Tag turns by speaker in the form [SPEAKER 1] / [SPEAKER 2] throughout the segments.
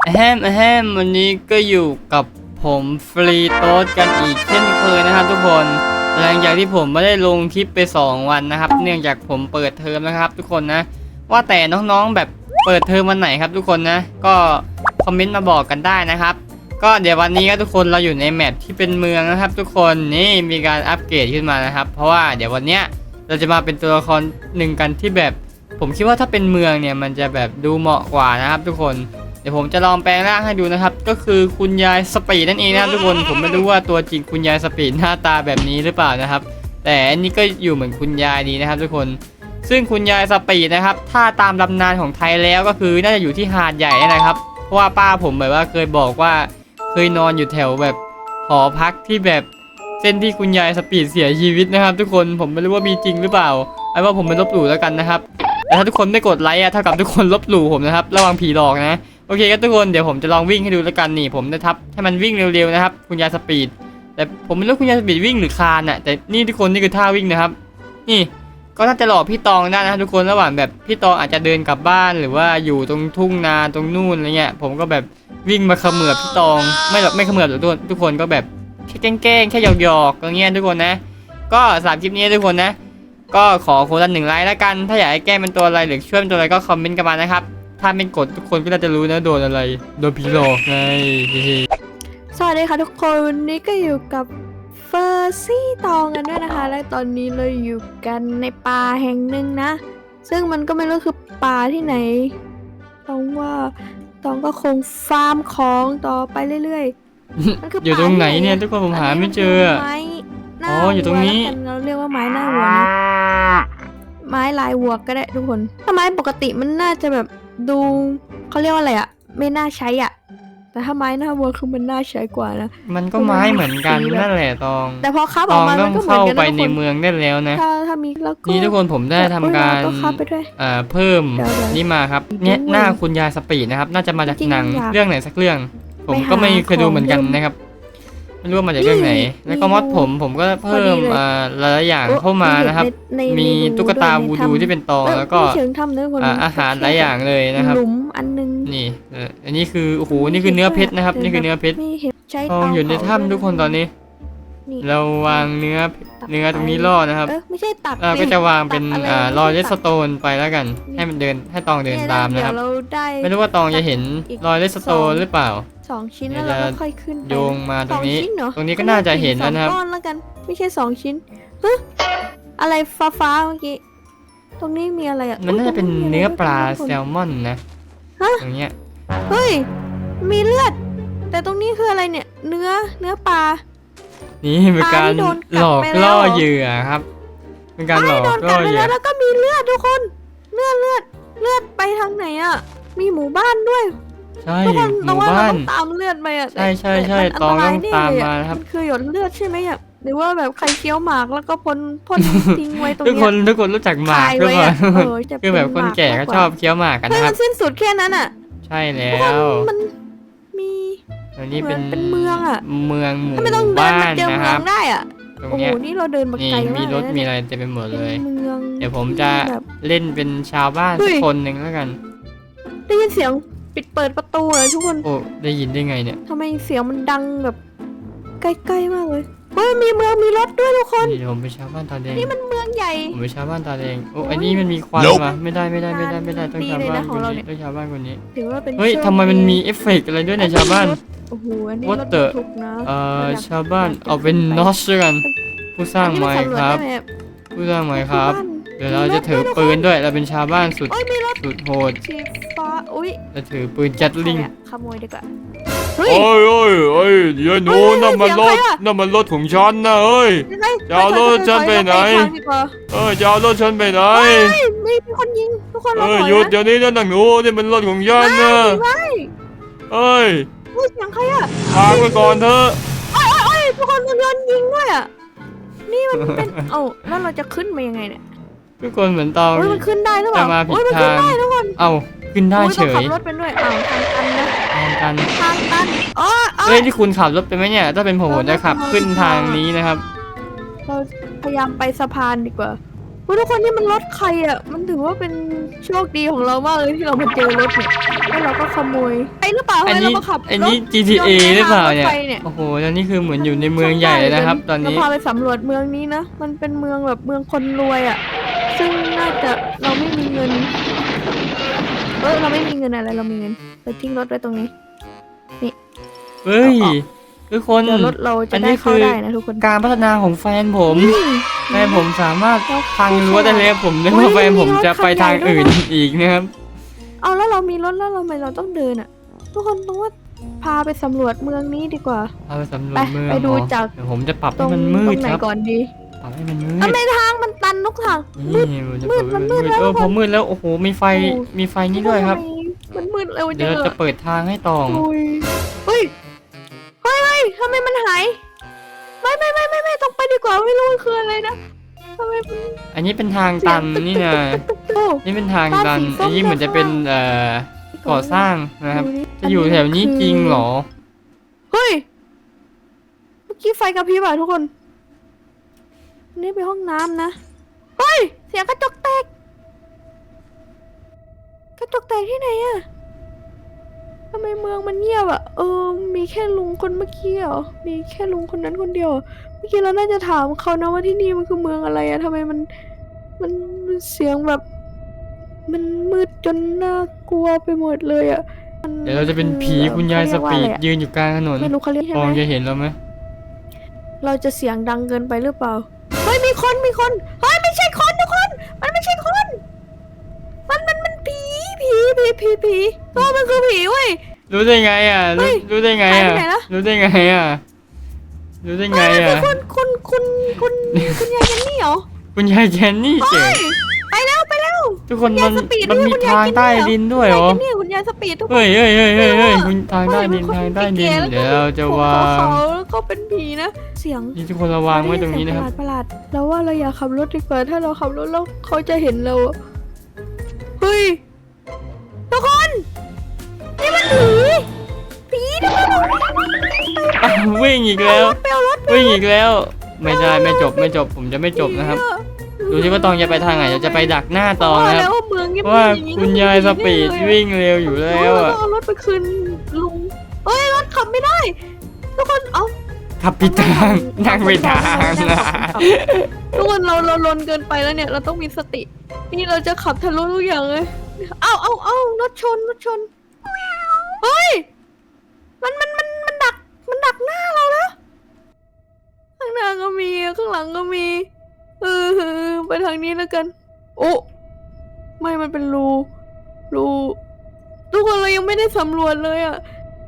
[SPEAKER 1] วันนี้ก็อยู่กับผมฟรีโต๊ดกันอีกเช่นเคยนะครับทุกคนหลังจากที่ผมไม่ได้ลงคลิปไป2วันนะครับเนื่องจากผมเปิดเทอมนะครับทุกคนนะว่าแต่น้องๆแบบเปิดเทอมวันไหนครับทุกคนนะก็คอมเมนต์มาบอกกันได้นะครับก็เดี๋ยววันนี้ก็ทุกคนเราอยู่ในแมปที่เป็นเมืองนะครับทุกคนนี่มีการอัปเกรดขึ้นมานะครับเพราะว่าเดี๋ยววันเนี้ยเราจะมาเป็นตัวละครหนึ่งกันที่แบบผมคิดว่าถ้าเป็นเมืองเนี่ยมันจะแบบดูเหมาะกว่านะครับทุกคนเดี๋ยวผมจะลองแปลงร่างให้ดูนะครับก็คือคุณยายสปีดนั่นเองนะครับทุกคนผมไม่รู้ว่าตัวจริงคุณยายสปีดหน้าตาแบบนี้หรือเปล่านะครับแต่อันนี้ก็อยู่เหมือนคุณยายดีนะครับทุกคนซึ่งคุณยายสปีดนะครับถ้าตามตำนานของไทยแล้วก็คือน่าจะอยู่ที่หาดใหญ่นะครับเพราะว่าป้าผมแบบว่าเคยบอกว่าเคยนอนอยู่แถวแบบหอพักที่แบบเส้นที่คุณยายสปีดเสียชีวิตนะครับทุกคนผมไม่รู้ว่ามีจริงหรือเปล่าไอ้ว่าผมไม่ลบหลู่แล้วกันนะครับแต่ถ้าทุกคนไม่กดไลค์เท่ากับทุกคนลบหลู่ผมนะครับระวังผีหลอกนะโอเคครับทุกคนเดี๋ยวผมจะลองวิ่งให้ดูแล้วกันนี่ผมจะทับให้มันวิ่งเร็วๆนะครับคุณยายสปีดแต่ผมไม่รู้คุณยายสปีดวิ่งหรือคลานอ่ะแต่นี่ทุกคนนี่คือท่าวิ่งนะครับนี่ก็น่าจะหลอกพี่ตองได้นะครับทุกคนระหว่างแบบพี่ตองอาจจะเดินกลับบ้านหรือว่าอยู่ตรงทุ่งนาตรงนู่นอะไรเงี้ยผมก็แบบวิ่งมาเขมือบพี่ตองไม่เขมือบหรอกทุกคนก็แบบแค่แกล้งแค่หยอกๆอย่างเงี้ยทุกคนนะก็3คลิปนี้ทุกคนนะก็ขอคนละ1 ไลค์แล้วกันถ้าอยากให้แกล้งเป็นตัวอะไรหรือช่วยเป็นตัวอะไรก็คอมเมนต์กันมานะครับถ้าไม่กดทุกคนก็น่าจะรู้นะโดนอะไรโดนผีหลอกไง
[SPEAKER 2] สวัสดีค่ะทุกคนวันนี้ก็อยู่กับเฟอร์ซี่ตองกันด้วยนะคะ และตอนนี้เราอยู่กันในป่าแห่งหนึ่งนะ ซึ่งมันก็ไม่รู้คือป่าที่ไหนต้องว่าตองก็คงฟาร์มของต่อไปเรื่อยๆมันคือ
[SPEAKER 1] อยู่ตรงไหนเนี่ยทุกคนผมหาไม่เจอ
[SPEAKER 2] ไม้หน้า
[SPEAKER 1] อ๋ออยู่ตรงนี้
[SPEAKER 2] วัวแล้วกันเราเรียกว่าไม้หน้าวัวนะไม้ลายวัวก็ได้ทุกคนถ้าไม้ปกติมันน่าจะแบบดูเขาเรียกว่าอะไรอะไม่น่าใช้อะแต่ถ้าไม้หน้าวัวคือมันน่าใช้กว่านะ
[SPEAKER 1] มันก็ไม้เหมือนกันนั่นแหละตอง
[SPEAKER 2] แต่พอคับ
[SPEAKER 1] ต
[SPEAKER 2] ออ
[SPEAKER 1] อก ง
[SPEAKER 2] มา
[SPEAKER 1] ต้
[SPEAKER 2] มั
[SPEAKER 1] อน ง
[SPEAKER 2] ก็เหมือน
[SPEAKER 1] เข้า
[SPEAKER 2] กัน
[SPEAKER 1] ไป
[SPEAKER 2] นะทุก
[SPEAKER 1] ใน
[SPEAKER 2] คน
[SPEAKER 1] เมืองได้แล้วนะ
[SPEAKER 2] ถ้ามีแล้วก็
[SPEAKER 1] นี่ทุกคนผมได้ทำการ
[SPEAKER 2] ก็คับไปด้วย
[SPEAKER 1] เพิ่ม
[SPEAKER 2] เดี๋ยว
[SPEAKER 1] นี่มาครับเนี่ย
[SPEAKER 2] ด้วย
[SPEAKER 1] หน้าคุณยายสปีดนะครับน่าจะมาจาก
[SPEAKER 2] จริงๆ
[SPEAKER 1] หนัง
[SPEAKER 2] อยาก
[SPEAKER 1] เรื่องไหนสักเรื่อง ผม
[SPEAKER 2] ไปหา
[SPEAKER 1] ก็ไม่เคยดูเหมือนกัน
[SPEAKER 2] ของเดิม
[SPEAKER 1] นะครับไม่รู้ว่ามาจากเรื่องไหน
[SPEAKER 2] นี่
[SPEAKER 1] แล้วก็มอดผมก็เพิ่ม
[SPEAKER 2] พอดีเลย
[SPEAKER 1] หลายๆอย่างเข้ามานะครับ
[SPEAKER 2] ใน
[SPEAKER 1] มีตุ๊กตา
[SPEAKER 2] ใน
[SPEAKER 1] วูดูที่เป็นตองแล้วก็
[SPEAKER 2] ไม่เชิงทำเนื้อคน
[SPEAKER 1] อาหารหลายอย่างเลยนะครับ
[SPEAKER 2] หลุมอันนึง
[SPEAKER 1] นี่อันนี้คือโอ้โหนี่คือเนื้อเพชรนะครับนี่คือเนื้อเพชร
[SPEAKER 2] ไม่เห็นใช้
[SPEAKER 1] ทองอยู่ในถ้ำทุกคนตอนนี้
[SPEAKER 2] นี่
[SPEAKER 1] เราวางเนื้อ
[SPEAKER 2] ตัก
[SPEAKER 1] ตรงนี้ล่อนะครับ
[SPEAKER 2] ไม่ใช่ตัก
[SPEAKER 1] ก็จะวางเป็น
[SPEAKER 2] ตักอะไร
[SPEAKER 1] รอยเล
[SPEAKER 2] ไม่
[SPEAKER 1] ส
[SPEAKER 2] ใช่ตัก
[SPEAKER 1] โตนไปแล้วกัน ให้มันเดินให้ตองเดินตามนะครับ
[SPEAKER 2] เดี๋ยวเราได้
[SPEAKER 1] ไม่รู้ว่าตองจะเห็นรอยเลสโตนหรือเปล่า
[SPEAKER 2] 2 ชิ้น
[SPEAKER 1] เดี๋
[SPEAKER 2] แล้
[SPEAKER 1] ยว ว
[SPEAKER 2] เรา
[SPEAKER 1] จะ
[SPEAKER 2] ก็ค่อยขึ้นไป
[SPEAKER 1] โยงมาตรงนี้
[SPEAKER 2] 2 ชิ้นเหรอ
[SPEAKER 1] ตรงนี้ก็น่าจะเห็นแล้วนะครับ
[SPEAKER 2] สองก้อนแล้วกันไม่ใช่2 ชิ้นฮะอะไรฟ้าเมื่อกี้ตรงนี้มีอะไรอ่ะ
[SPEAKER 1] มันน่าจะเป็นเนื้อปลาแซ
[SPEAKER 2] ล
[SPEAKER 1] ลมอนนะ
[SPEAKER 2] ฮะ
[SPEAKER 1] ตรงเนี้ย
[SPEAKER 2] เฮ้ยมีเลือด แต่ตรงนี้คืออะไรเนี่ยเนื้อปลา
[SPEAKER 1] นี่เป็นการ
[SPEAKER 2] ปลาที่โดนกัด
[SPEAKER 1] หลอก
[SPEAKER 2] ไปแล้ว
[SPEAKER 1] ล่อ
[SPEAKER 2] เหรอ
[SPEAKER 1] เหยื่อครับ เป็นการหลอก
[SPEAKER 2] โดน
[SPEAKER 1] ล่
[SPEAKER 2] กั
[SPEAKER 1] อ
[SPEAKER 2] ดไป
[SPEAKER 1] เหยื่
[SPEAKER 2] แล้
[SPEAKER 1] อ
[SPEAKER 2] วแล้วก็มีเลือดทุกคนเลือดไปทางไหนอ่ะมีหมู่บ้านด้วย
[SPEAKER 1] ใช่
[SPEAKER 2] ทุกคน
[SPEAKER 1] ห
[SPEAKER 2] แต่
[SPEAKER 1] มู่
[SPEAKER 2] ว่าเรา
[SPEAKER 1] บ้าน
[SPEAKER 2] ต้องตามเลือดไปอ่ะ
[SPEAKER 1] ใช่ใช่
[SPEAKER 2] แต่
[SPEAKER 1] ใช่
[SPEAKER 2] มัน
[SPEAKER 1] ตอง
[SPEAKER 2] นร
[SPEAKER 1] ต้
[SPEAKER 2] ย
[SPEAKER 1] อง
[SPEAKER 2] แน่
[SPEAKER 1] ตาม
[SPEAKER 2] เลย
[SPEAKER 1] มา
[SPEAKER 2] อะ
[SPEAKER 1] นะครับ
[SPEAKER 2] มันคือหยดเลือดใช่ไหมอ่ะหรือว่าแบบใครเคี้ยวหมากแล้วก็พ่น ทิ้งไว้ตรง
[SPEAKER 1] ทุก
[SPEAKER 2] เนี้
[SPEAKER 1] ค
[SPEAKER 2] ย
[SPEAKER 1] นรู้จักหมาก
[SPEAKER 2] คาย
[SPEAKER 1] ด้วย
[SPEAKER 2] ไว้
[SPEAKER 1] ป่ะ
[SPEAKER 2] อะจะ
[SPEAKER 1] คือแบบคนแก่ก็ชอบเคี้ยวหมากกัน
[SPEAKER 2] เฮ้ย
[SPEAKER 1] นะค
[SPEAKER 2] มั
[SPEAKER 1] รับ
[SPEAKER 2] นสิ้นสุดแค่นั้นอ่ะ
[SPEAKER 1] ใช่แล้
[SPEAKER 2] ทุกคน
[SPEAKER 1] ว
[SPEAKER 2] มันมี
[SPEAKER 1] อันนี้เป็น
[SPEAKER 2] เป็นเมืองอะ
[SPEAKER 1] เมืองหมู่
[SPEAKER 2] ถ้าไม่ต้องเดิน
[SPEAKER 1] บ้า
[SPEAKER 2] มาน เจอ
[SPEAKER 1] นะ
[SPEAKER 2] เมื
[SPEAKER 1] ค
[SPEAKER 2] อ
[SPEAKER 1] รับ
[SPEAKER 2] งได้อ่ะ
[SPEAKER 1] ตรง
[SPEAKER 2] โอ้โห
[SPEAKER 1] เนี้ย
[SPEAKER 2] นี่เราเดินมา
[SPEAKER 1] นี่
[SPEAKER 2] ไกล
[SPEAKER 1] มี
[SPEAKER 2] มาก
[SPEAKER 1] รถ
[SPEAKER 2] เลยนะ
[SPEAKER 1] มี
[SPEAKER 2] เนี่ย
[SPEAKER 1] อะไรเต็มไปหมดเลย
[SPEAKER 2] เป็นเมือง
[SPEAKER 1] เดี๋ยวผมจะ
[SPEAKER 2] แบบ
[SPEAKER 1] เล่นเป็นชาวบ้าน
[SPEAKER 2] เฮ้
[SPEAKER 1] สัก
[SPEAKER 2] ย
[SPEAKER 1] คนหนึ่งแล้วกัน
[SPEAKER 2] ได้ยินเสียงเปิดประตูเลยทุกคน
[SPEAKER 1] โอ้ได้ยินได้ไงเนี่ย
[SPEAKER 2] ทำไมเสียงมันดังแบบใกล้ๆมากเลยเฮ้ยมีเมืองมีรถด้วยทุกคน
[SPEAKER 1] นี่เดี๋ยวผมเป็นชาวบ้านตาแดง
[SPEAKER 2] นี่มันเมืองใหญ่
[SPEAKER 1] ผมเป็นชาวบ้านตาแดงโอ้
[SPEAKER 2] โอ้ย
[SPEAKER 1] อันนี้มันมีควัน
[SPEAKER 3] Nope
[SPEAKER 1] ว่ะไม่ได้ต้อง
[SPEAKER 2] ดี
[SPEAKER 1] ชาว
[SPEAKER 2] เลย
[SPEAKER 1] บ้า
[SPEAKER 2] นะ
[SPEAKER 1] น
[SPEAKER 2] ข
[SPEAKER 1] ค
[SPEAKER 2] อง
[SPEAKER 1] น
[SPEAKER 2] เรา
[SPEAKER 1] นี้
[SPEAKER 2] เนี่ย
[SPEAKER 1] ต้องชาวบ้านคนนี้
[SPEAKER 2] ถือว่าเป็น
[SPEAKER 1] เฮ้ย
[SPEAKER 2] โชค
[SPEAKER 1] ทำไมมัน
[SPEAKER 2] ดี
[SPEAKER 1] มีเอฟเฟกต์อะไรด้วยในยชาวบ้าน
[SPEAKER 2] โอ้โหอันนี้
[SPEAKER 1] What
[SPEAKER 2] รถ
[SPEAKER 1] the
[SPEAKER 2] บรรทุกนะอยก
[SPEAKER 1] ชาวบ้านเอาเป็นนอสกันผู้สร้าง
[SPEAKER 2] อันนี้
[SPEAKER 1] ไม้
[SPEAKER 2] นสำวจ
[SPEAKER 1] ครับ
[SPEAKER 2] ได้ไหม
[SPEAKER 1] ผู้สร้างไม้ครับ
[SPEAKER 2] ที่าน
[SPEAKER 1] เดี๋ยวเราจะถือปืนด้วยเราเป็นชาวบ้านสุด
[SPEAKER 2] โอ้ยมีรถ
[SPEAKER 1] สุดโหด
[SPEAKER 2] สีฟ้าอุ้ย
[SPEAKER 1] จะถือปืนจัดลิง
[SPEAKER 2] ใครอะขโมยดีกว่าเฮ้ย
[SPEAKER 3] โอ้ยเดี๋ยวหนู
[SPEAKER 2] เฮ้ย
[SPEAKER 3] นั่นมัน
[SPEAKER 2] เสียง
[SPEAKER 3] รถ
[SPEAKER 2] ใครอะ
[SPEAKER 3] นั่นมันรถของฉันนะเอ้ย
[SPEAKER 2] ยังไง
[SPEAKER 3] จะเอารถฉันไปไหน
[SPEAKER 2] ถอยทางดีกว่า
[SPEAKER 3] จะเอารถฉันไปไหน
[SPEAKER 2] เฮ้ยมีคนยิงทุกคนเราถอย
[SPEAKER 3] หยุด
[SPEAKER 2] นะ
[SPEAKER 3] เดี๋ยวนี้นะหนังหนูนี่มันรถของฉันนะ
[SPEAKER 2] ไม่
[SPEAKER 3] เอ้ย
[SPEAKER 2] เฮ้ยเสียงใครอะ
[SPEAKER 3] พาไปก่อนเถอะ
[SPEAKER 2] เอ้ยทุกคนมันโดนยิงด้วยอะนี่มันเป็น เอ้าแล้วเราจะขึ้นมายังไงเนี่ย
[SPEAKER 1] ทุกคนเหมือนตอง
[SPEAKER 2] เฮ้ยมันขึ้นได้หรือเปล่า
[SPEAKER 1] จะมาผิด
[SPEAKER 2] เฮ้ยมันขึ้น
[SPEAKER 1] ทาง
[SPEAKER 2] ได้ทุกคน
[SPEAKER 1] เอ้าขึ้นได้
[SPEAKER 2] โอ้ย
[SPEAKER 1] เฉ
[SPEAKER 2] ต้องขั
[SPEAKER 1] ย
[SPEAKER 2] บรถเป็นด้วยอ้าวทางตันนะ
[SPEAKER 1] ทางกัน
[SPEAKER 2] ทางตันอ๋อ
[SPEAKER 1] เฮ้ยที่คุณขับรถไปไหมเนี่ยถ้าเป็นผมจะขับขึ้นทางนี้นะครับ
[SPEAKER 2] เราพยายามไปสะพานดีกว่าโอ้ทุกคนนี่มันรถใครอ่ะมันถือว่าเป็นโชคดีของเรามากเลยที่เรามาเจอรถเนี่ยแล้วเราก็ขโมยไอ้หรือเปล่า
[SPEAKER 1] อัน
[SPEAKER 2] ให้เรา
[SPEAKER 1] นี้
[SPEAKER 2] มาขับ
[SPEAKER 1] อันนี้
[SPEAKER 2] รถ
[SPEAKER 1] GTA หรือเปล่าเนี่ย
[SPEAKER 2] รถไฟเนี่ย
[SPEAKER 1] โอ้โหแล้วนี่คือเหมือนอยู่ในเมืองใหญ่เลยนะครับ ตอนนี้
[SPEAKER 2] เราพาไปสำรวจเมืองนี้นะ มันเป็นเมืองแบบเมืองคนรวยอ่ะ ซึ่งน่าจะเราไม่มีเงินเราไม่มีเงินอะไร เรามีเงินเราทิ้งรถไว้ตรงนี้
[SPEAKER 1] เฮ้ยทุกคน
[SPEAKER 2] เดี๋ยวรถเราจะ
[SPEAKER 1] อันนี้
[SPEAKER 2] ได้เข้า
[SPEAKER 1] คือ
[SPEAKER 2] ได้นะทุกคน
[SPEAKER 1] การพัฒนาของแฟนผม แฟนผมสามารถ
[SPEAKER 2] เรา
[SPEAKER 1] พังรั้วได้เลยผมนึกว่าแฟนผมจะไปทางอื่นอีกนะครับ
[SPEAKER 2] เอาแล้วเรามีรถแล้วเราทำไมเราต้องเดินอ่ะ ทุกคนต้องว่าพาไปสำรวจเมืองนี้ดีกว่า
[SPEAKER 1] เอาไปสำรว
[SPEAKER 2] ไป
[SPEAKER 1] จเมือง
[SPEAKER 2] ไปดู
[SPEAKER 1] เหรอ
[SPEAKER 2] จาก
[SPEAKER 1] เดี๋ยวผมจะปรับ
[SPEAKER 2] ตร
[SPEAKER 1] ให้
[SPEAKER 2] ง
[SPEAKER 1] มันมื
[SPEAKER 2] ตร
[SPEAKER 1] ด
[SPEAKER 2] งไหน
[SPEAKER 1] ครับ
[SPEAKER 2] ก่อนดี
[SPEAKER 1] ปรับให้มันมืด
[SPEAKER 2] ทำไมทางมันตันทุกทาง
[SPEAKER 1] นี่มันจะเปิด
[SPEAKER 2] มันมืดแล้ว
[SPEAKER 1] พอมืดแล้วโอ้โหมีไฟ
[SPEAKER 2] โอ้
[SPEAKER 1] มีไฟนี่ด้วยครับ
[SPEAKER 2] ทำไมมันมืดเร็ว
[SPEAKER 1] เดี๋
[SPEAKER 2] จั
[SPEAKER 1] ยว
[SPEAKER 2] ง
[SPEAKER 1] เรา
[SPEAKER 2] อะ
[SPEAKER 1] จะเปิดทางให้ตอง
[SPEAKER 2] โอ้ยเฮ้ยทำไมมันหาย ไม่ต้องไปดีกว่าไม่รู้มันคืออะไรนะทำไมมัน
[SPEAKER 1] อันนี้เป็นทางตันนี่นะ
[SPEAKER 2] โอ้
[SPEAKER 1] นี่เป็นทาง
[SPEAKER 2] บ้าน
[SPEAKER 1] ตัน
[SPEAKER 2] สีส้ม
[SPEAKER 1] อันนี้เหมือนจะเป็นก่อสร้างนะครับ จะอยู่แถวนี้จริงเหรอ
[SPEAKER 2] เฮ้ย เมื่อกี้ไฟกระพริบอ่ะทุกคน นี่เป็นห้องน้ำนะ เฮ้ย เสียงกระจกแตก กระจกแตกที่ไหนอะทำไมเมืองมันเงียบอะมีแค่ลุงคนเมื่อกี้เหรอ มีแค่ลุงคนนั้นคนเดียวเหรอเมื่อกี้เราน่าจะถามเขานะว่าที่นี่มันคือเมืองอะไรอะทำไมมันเสียงแบบ มันมืดจนน่ากลัวไปหมดเลยอะ
[SPEAKER 1] เดี๋ยวเราจะเป็นผีคุณยายสปีดยืนอยู่กลางถนน
[SPEAKER 2] ไม่รู้เขาเรียกใช่
[SPEAKER 1] ตอง
[SPEAKER 2] ไหม
[SPEAKER 1] จะเห็นเราไหม
[SPEAKER 2] เราจะเสียงดังเกินไปหรือเปล่า เฮ้ยมีคนเฮ้ยไม่ใช่คนทุกคน มันไม่ใช่คน มันผีตัวมันคือผีเว้ย
[SPEAKER 1] รู้ได้ไงอ่ะ
[SPEAKER 2] เฮ้ย
[SPEAKER 1] รู้ได้ไงอ่ะ
[SPEAKER 2] หายไปไหนละ
[SPEAKER 1] รู้ได้ไงอ่ะรู้ได้ไง
[SPEAKER 2] มัน
[SPEAKER 1] อ่ะ
[SPEAKER 2] คือคุณยายกันนี่เหรอ
[SPEAKER 1] คุณยายแคนนี่เจ๋
[SPEAKER 2] เฮ้
[SPEAKER 1] ง
[SPEAKER 2] ยไปแล้ว
[SPEAKER 1] ทุกคน
[SPEAKER 2] คุณยายสปีด
[SPEAKER 1] มันมี
[SPEAKER 2] คุณยาย
[SPEAKER 1] ทาง
[SPEAKER 2] กิน
[SPEAKER 1] ใต้
[SPEAKER 2] เนี่ย
[SPEAKER 1] ดินด้วยเหรอ
[SPEAKER 2] คุณยายสปีดทุกคน
[SPEAKER 1] เฮ้ยคุณทางใต้ดิน
[SPEAKER 2] เฮ้ย
[SPEAKER 1] ทางใต้ดิน
[SPEAKER 2] มัน
[SPEAKER 1] เดี๋ยวเราจะวาง
[SPEAKER 2] เขาแล้วก็เป็นผีนะ เสียง
[SPEAKER 1] นี่ทุกคนระวางไว้ตรงนี้นะครับ
[SPEAKER 2] ประหลาดเราว่าเราอยากขับรถดีกว่า ถ้าเราขับรถแล้วเขาจะเห็นเราอะเฮ้ยทุกคนนี่มันผีทำไมเรา
[SPEAKER 1] อ้าววิ่งอีกแล้ว
[SPEAKER 2] ไปเอารถ
[SPEAKER 1] วิ่งอีกแล้ว ไม่ได้ไม่จบผมจะไม่จบนะครับ ดูที่ว่าตองจะไปทางไหนเราจะไปดักหน้าตอง
[SPEAKER 2] ว่า
[SPEAKER 1] นะค
[SPEAKER 2] แล้
[SPEAKER 1] รับ
[SPEAKER 2] วว่าเมืองเงียบๆ
[SPEAKER 1] ว่า
[SPEAKER 2] องนี้
[SPEAKER 1] คุณยายสปีดวิ่งเร็วอยู่แล้ว
[SPEAKER 2] เรา
[SPEAKER 1] อ่ะ
[SPEAKER 2] ต้องเอารถไปคืนลุงเอ้ยรถขับไม่ได้ ทุกคนเอา
[SPEAKER 1] ขับผิดทางนั่งผิดทางนะ
[SPEAKER 2] ทุกคนเราลนเกินไปแล้วเนี่ยเราต้องมีสติ นี่เราจะขับทะลุทุกอย่างเลยเอารถชนเฮ้ยมันดักหน้าเราแล้วข้างหน้าก็มีข้างหลังก็มีไปทางนี้แล้วกัน โอ้ไม่มันเป็นรูทุกคนเรายังไม่ได้สำรวจเลยอ่ะ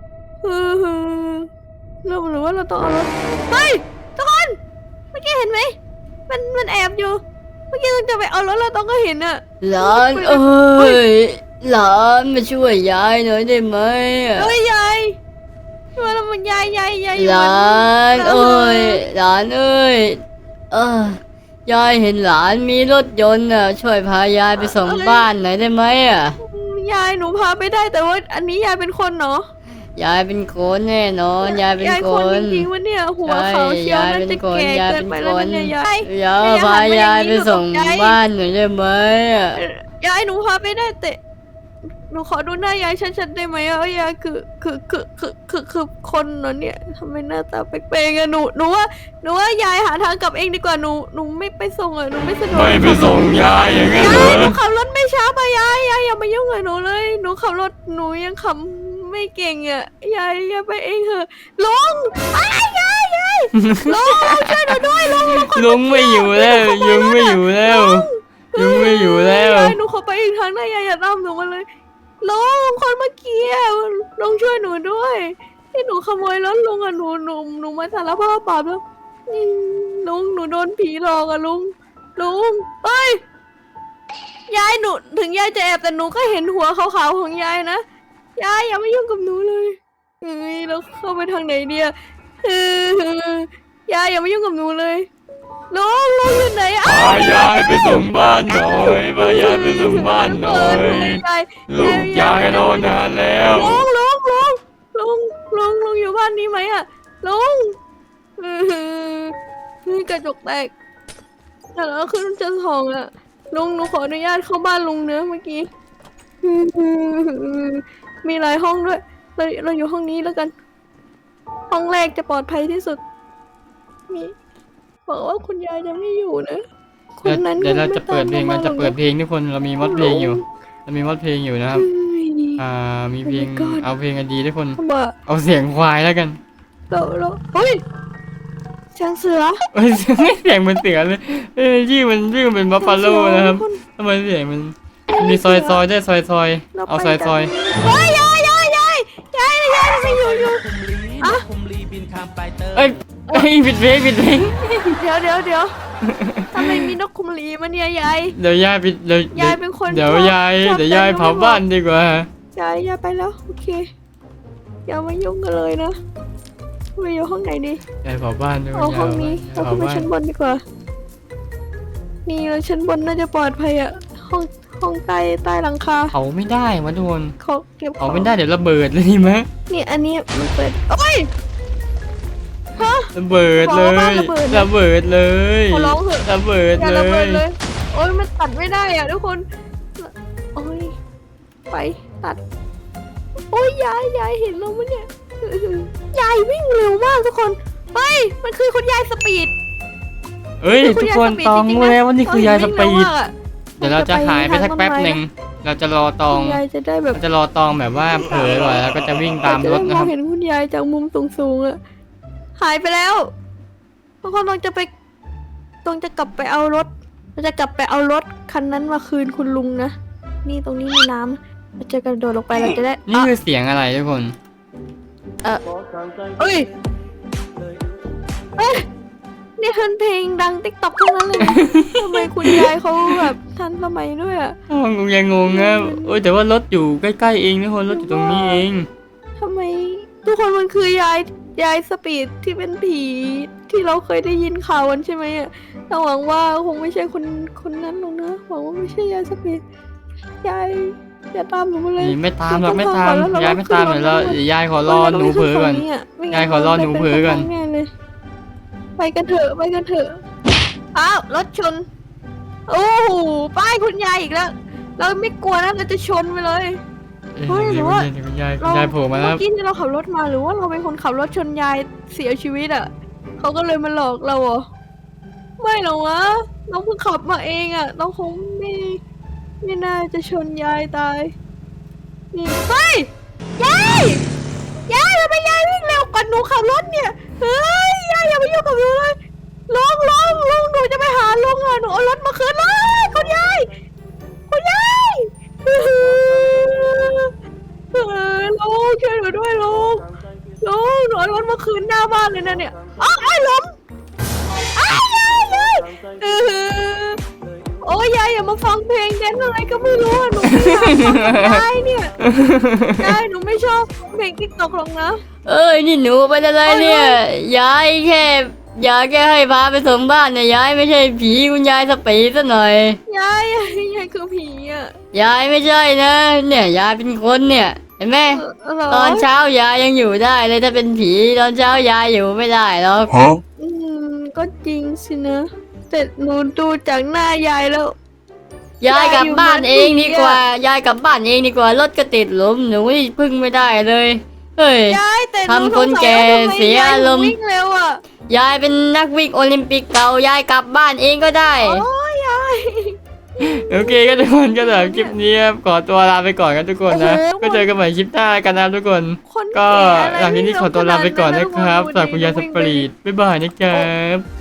[SPEAKER 2] เราหรือว่าเราต้องเอารถเฮ้ยทุกคนเมื่อกี้เห็นไหมมันแอบอยู่เมื่อกี้เราจะไปเอารถเราต้องก็เห็นอ่ะ
[SPEAKER 4] หลานเอ้ยหลานมาช่วยยายหน่อยได้ไหมอะ
[SPEAKER 2] เอ้ยยายช่วยเรามันยายอยู่
[SPEAKER 4] หลานเอ้ยหลานเอ้ยยายเห็นหลานมีรถยนต์อ่ะช่วยพายายไปส่งบ้านหน่อยได้ไหมอ่ะ
[SPEAKER 2] ยายหนูพาไปได้แต่ว่าอันนี้ยายเป็นคนเนาะ
[SPEAKER 4] ยายเป็นคนแน่นอนยายเป็น
[SPEAKER 2] ยาย
[SPEAKER 4] ค
[SPEAKER 2] คน
[SPEAKER 4] น
[SPEAKER 2] จริงๆวะเนี่ยหัวเขาวเชียวน่าจะแก่เกินไปแล้วเนี่ยยาย
[SPEAKER 4] เดี๋ยวพายายไปส่งบ้านหน่อยได้ไหมอ่ะ
[SPEAKER 2] ยายหนูพาไปได้แต่หนูขอดูหน้ายายชัดๆได้ไหมอะว่ายายคือคนเนาะเนี่ยทำไมหน้าตาแปลกๆอะหนูว่ายายหาทางกลับเองดีกว่าหนูไม่ไปส่งอะหนูไม่สะดวก
[SPEAKER 3] ไม่ไปส่งยายอย่างนั้นเหร
[SPEAKER 2] ยายหนู
[SPEAKER 3] อ
[SPEAKER 2] ขับรถไม่ช้าไปยายอย่ามายุ่งกับหนูเลยหนูขับรถหนูยังขับไม่เก่งอะยายไปเองเถอะลุงยายลุงช่วยหนูด้วยลุง
[SPEAKER 1] ลุงไม่อยู่แล้วยุงไม่อยู่แล้วยุงไม่อยู่แล้ว
[SPEAKER 2] ยายหนูขอไปอีกทางได้ยายอย่าตามหนูมาเลยลุงคนเมื่อกี้อะลุงช่วยหนูด้วยที่หนูขโมยรถลุงอะหนูมาสารภาพบาปแล้วลุงหนูโดนผีหลอกอะลุงเอ้ยยายหนูถึงยายจะแอบแต่หนูก็เห็นหัวขาวๆของยายนะยายอย่ามายุ่งกับหนูเลยเราเข้าไปทางไหนเดียยายอย่ามายุ่งกับหนูเลยลุงอยู่ไหนอะ
[SPEAKER 3] พายายไปส่งบ้านหน่อยพายายไปส่งบ้านหน่อย ลูกยายนอนนานแล้ว
[SPEAKER 2] ลุงอยู่บ้านนี้ไหมอะลุงกระจกแตกแต่เราขึ้นชั้นสองอะลุงหนูขออนุญาตเข้าบ้านลุงเนื้อะเมื่อกี้มีหลายห้องด้วยเราอยู่ห้องนี้แล้วกัน ห้องแรกจะปลอดภัยที่สุดมีบอกว่าคุณยายจะไม่อยู่นะคนนั้น
[SPEAKER 1] เดี๋ยวเรา
[SPEAKER 2] คงไม่
[SPEAKER 1] จะเปิดเพลง
[SPEAKER 2] ต
[SPEAKER 1] มันจะเปิดเพลงทุกคนเรามีมอดเพลงอยู่เรามีมอดเพลงอยู่นะครับ
[SPEAKER 2] เฮ้ย
[SPEAKER 1] มีเพลง
[SPEAKER 2] Oh my god
[SPEAKER 1] เอาเพลงกันดีทุกคน
[SPEAKER 2] บ้า
[SPEAKER 1] เอาเสียงควายแล้วกัน
[SPEAKER 2] เราเฮ้ยเสียงเสือ
[SPEAKER 1] เอ้ยเสียงเหมันเสือเลยชื่อมันเป็นบัฟฟาโลนะครับทำไมเสียงมันมีซอยได้ซอยเอาซอย
[SPEAKER 2] เฮ้ยยายทำไมอยู่อ่ะ
[SPEAKER 1] เอ้ยผิดเพลง
[SPEAKER 2] เดี๋ยวทำไมมีนกคุมลีมาเนี่ยยาย
[SPEAKER 1] เดี๋ยวยายผิดเดี๋ยวย
[SPEAKER 2] ายเป็นคน
[SPEAKER 1] เดี๋ยว
[SPEAKER 2] ชอบ
[SPEAKER 1] ยาย
[SPEAKER 2] ชอบ
[SPEAKER 1] เดี๋ยวยาย
[SPEAKER 2] แต่ง
[SPEAKER 1] เผาบ้านดีกว่า
[SPEAKER 2] ยายไปแล้วโอเคอย่ามายุ่งกันเลยนะไปอยู่ห้องไหนดี
[SPEAKER 1] ยายเผาบ้านด้วย
[SPEAKER 2] เอาห้องนี้
[SPEAKER 1] ยา
[SPEAKER 2] เรา
[SPEAKER 1] ย
[SPEAKER 2] ขึ้
[SPEAKER 1] เผาน
[SPEAKER 2] ไป
[SPEAKER 1] บ้าน
[SPEAKER 2] ชั้นบนดีกว่า นี่เราชั้นบนน่าจะปลอดภัยอะห้องใต้หลังคา
[SPEAKER 1] เผาไม่ได้วะทุกคน
[SPEAKER 2] เขาเก็บข
[SPEAKER 1] เผา
[SPEAKER 2] อง
[SPEAKER 1] ไม่ได้เดี๋ยวระเบิดเลยดีไหม
[SPEAKER 2] นี่อันนี้มันเปิดโอ้ยฮะ
[SPEAKER 1] ระเบิดเล
[SPEAKER 2] บอกว่าบ้าน
[SPEAKER 1] ย
[SPEAKER 2] ระเบิดนะ
[SPEAKER 1] ระเบิดเลย
[SPEAKER 2] ขอร้องเถอะ
[SPEAKER 1] ระเบิด
[SPEAKER 2] อย่า
[SPEAKER 1] เล
[SPEAKER 2] ระเบิ
[SPEAKER 1] ย
[SPEAKER 2] ดเลย โอ้ยมันตัดไม่ได้อะทุกคนโอ้ยไปตัด โอ้ยยายเห็นเราไหมเนี่ยยายวิ่งเร็วมากทุกคนเฮ้ยมันคือคุณยายสปีด
[SPEAKER 1] เอ้ยทุกคนตองรู้แล้วว่านี่คือยายสปีด
[SPEAKER 2] เ
[SPEAKER 1] เดี๋ยวเราจะหายไปสักแป๊บหนึ่งเราจะรอตอง
[SPEAKER 2] คุณยายจะได้แบบ
[SPEAKER 1] เราจะรอตองแบบว่าเผลอก่อนแล้วก็จะวิ่งตามรถ
[SPEAKER 2] เาจได้
[SPEAKER 1] นะครับ
[SPEAKER 2] มองเห็นคุณยายจากมุมสูงๆอะหายไปแล้วทุกคนต้องจะกลับไปเอารถเราจะกลับไปเอารถคันนั้นมาคืนคุณลุงนะนี่ตรงนี้มีน้ำเราจะกระโดดลงไปเราจะได้
[SPEAKER 1] นี่คือเสียงอะไรทุกคน
[SPEAKER 2] เอ้ยนี่คือเพลงดังติ๊กต็อกทั้งนั้นเลยนะ ทำไมคุณยายเขาแบบทันสมัยด้วยอะ
[SPEAKER 1] งงยังงงนะโอ้ยแต่ว่ารถอยู่ใกล้ๆเองทุกคนรถอยู่ตรงนี้เอง
[SPEAKER 2] ทำไมทุกคนมันคือยายสปีดที่เป็นผีที่เราเคยได้ยินข่าวกันใช่ไหมอะแต่หวังว่าคงไม่ใช่คนนั้นหรอกนะหวังว่าไม่ใช่ยายสปีดยายอย่าตามหนูมาเลย
[SPEAKER 1] นี่ไม่ตามหรอกไม่ตามยายไม่ตามเดี๋ยวเรายายขอรอหนูเผลอก่อน ยายขอรอหนูเผลอก่อน
[SPEAKER 2] แน่เลยไปกันเถอะอ้าวรถชนโอ้โหป้ายคุณยายอีกแล้วเราไม่กลัวนะเราจะชนไปเลย เฮ้ยหรือว่า
[SPEAKER 1] คุณยายโผล่มาแล้ว
[SPEAKER 2] เมื่อกี้ที่เราขับรถมาหรือว่าเราเป็นคนขับรถชนยายเสียชีวิตอ่ะเขาก็เลยมาหลอกเราเหรอไม่หรอกวะน้องเพิ่งขับมาเองอ่ะน้องคงไม่น่าจะชนยายตายนี่เฮ้ยยายทำไมยายวิ่งเร็วกว่าหนูขับรถเนี่ยเฮ้ยยายอย่ามายุ่งกับหนูเลยลุงหนูจะไปหาลุงอ่ะหนูเอารถมาคืนเลยคุณยายลุงช่วยหนูด้วยลุงหนูเอารถมาคืนหน้าบ้านเลยนะเนี่ยอ้าวไอ้ล้มอ้าวยายโอ้ยยายอย่ามาฟังเพลงแดนซ์อะไรก็ไม่รู้อะหนูไม่อยากฟังกับยายเนี่ยยายหนูไม่ชอบเพลงติ๊กต็อกหรอกนะ
[SPEAKER 4] เอ้ยนี่หนูเป็นอะไรเนี่ยยายแค่ให้พาไปส่งบ้านเนี่ยยายไม่ใช่ผีคุณยายสปีดซะหน่อย
[SPEAKER 2] ยายคือผีอ่ะ
[SPEAKER 4] ยายไม่ใช่นะเนี่ยยายเป็นคนเนี่ยเห็นไหม
[SPEAKER 2] เหร
[SPEAKER 4] ตอนเช้ายายยังอยู่ได้เลยถ้าเป็นผีตอนเช้ายายอยู่ไม่ได้หรอก
[SPEAKER 2] ก็จริงสินะแต่หนูดูจากหน้ายายแล้ว
[SPEAKER 4] ยายกลับบ้านเองดีกว่ายายกลับบ้านเองดีกว่ารถก็ติดหลุมหนูนี่พึ่งไม่ได้เลยเฮ้ย
[SPEAKER 2] ยายแต่ห
[SPEAKER 4] ทำคนแก่เสียอารมณ์
[SPEAKER 2] วิ่งเร็วอ่ะ
[SPEAKER 4] ยายเป็นนักวิ่งโอลิมปิกเก่ายายกลับบ้านเองก็ได้
[SPEAKER 2] โอ้ยยาย
[SPEAKER 1] โอเคก็ทุกคนก็สำหรับคลิปนี้ครับขอตัวลาไปก่อนกันทุกคนนะก็เจอกันใหม่คลิปหน้ากันนะทุกคน
[SPEAKER 2] คน
[SPEAKER 1] ก็
[SPEAKER 2] แก่อะไร
[SPEAKER 1] หลังจากนี้ขอตัวลาไปก่อนนะครับ
[SPEAKER 2] วิ่ง
[SPEAKER 1] สำหรับคุณยายสปรีดบ๊ายบายนะครับ